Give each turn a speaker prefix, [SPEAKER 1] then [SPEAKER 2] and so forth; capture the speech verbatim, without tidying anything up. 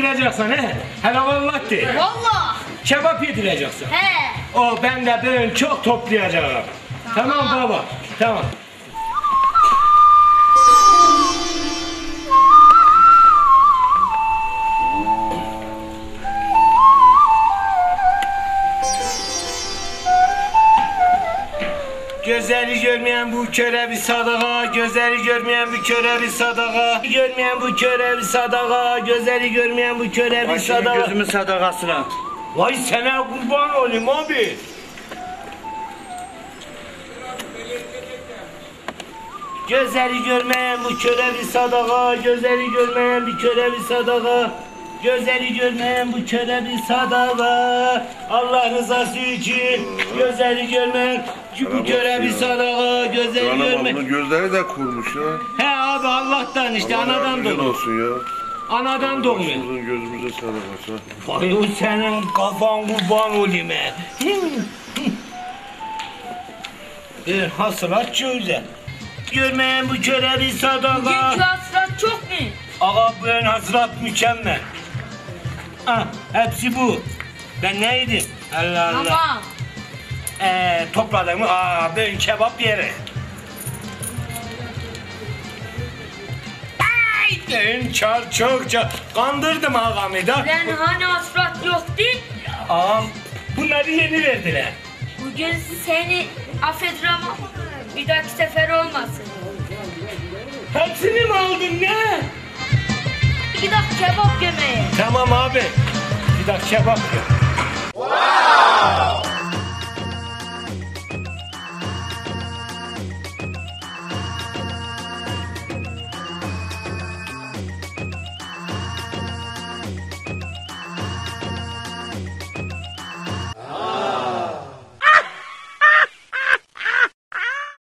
[SPEAKER 1] yedireceksin he? Hele vallahi de.
[SPEAKER 2] Vallahi.
[SPEAKER 1] Kebap yedireceksin.
[SPEAKER 2] He.
[SPEAKER 1] O ben de böyle çok toplayacağım. Tamam, tamam baba. Tamam. Gözleri görmeyen bu köre bir sadaka, gözleri görmeyen bu köre bir sadaka, görmeyen bu köre bir sadaka, gözleri görmeyen bu köre bir sadaka.
[SPEAKER 3] Başımın gözümün sadakasına.
[SPEAKER 1] Vay sana kurban olayım abi. Gözleri görmeyen bu köre bir sadaka, gözleri görmeyen bir köre bir sadaka, gözleri görmeyen bu köre bir sadaka, Allah rızası için gözleri görmeyen bu köre bir sadaka, gözleri görmeyen.
[SPEAKER 4] Bunun gözleri de kurmuş ya.
[SPEAKER 1] He abi Allah'tan işte,
[SPEAKER 4] Allah
[SPEAKER 1] anadan
[SPEAKER 4] yardımcın
[SPEAKER 1] doğmuyor.
[SPEAKER 4] olsun ya.
[SPEAKER 1] Anadan doğmuyor.
[SPEAKER 4] Başımızın gözümüze sadakası.
[SPEAKER 1] Vay o senin kafan kurban olayım he. Bir hasılat çöze. Görmeyen bu köre bir sadaka.
[SPEAKER 2] Bugünkü hasılat çok mu?
[SPEAKER 1] Ağa bu hasılat mükemmel. Ah, hepsi bu. Ben ne yedim? Allah Allah.
[SPEAKER 2] Tamam.
[SPEAKER 1] Ee, topladım mı? Aa, ben kebap yeri. Ay, ben çar çok çar. Kandırdım ağamı da.
[SPEAKER 2] Ben hani hasılat yoktu?
[SPEAKER 1] Ağam, bunları yeni verdiler.
[SPEAKER 2] Bugün seni affederim ama bir dahaki sefer olmasın.
[SPEAKER 1] Hepsini mi aldın ne?
[SPEAKER 2] İki dakika kebap yemeye.
[SPEAKER 1] Tamam abi. Bir dakika kebap ye. Wow!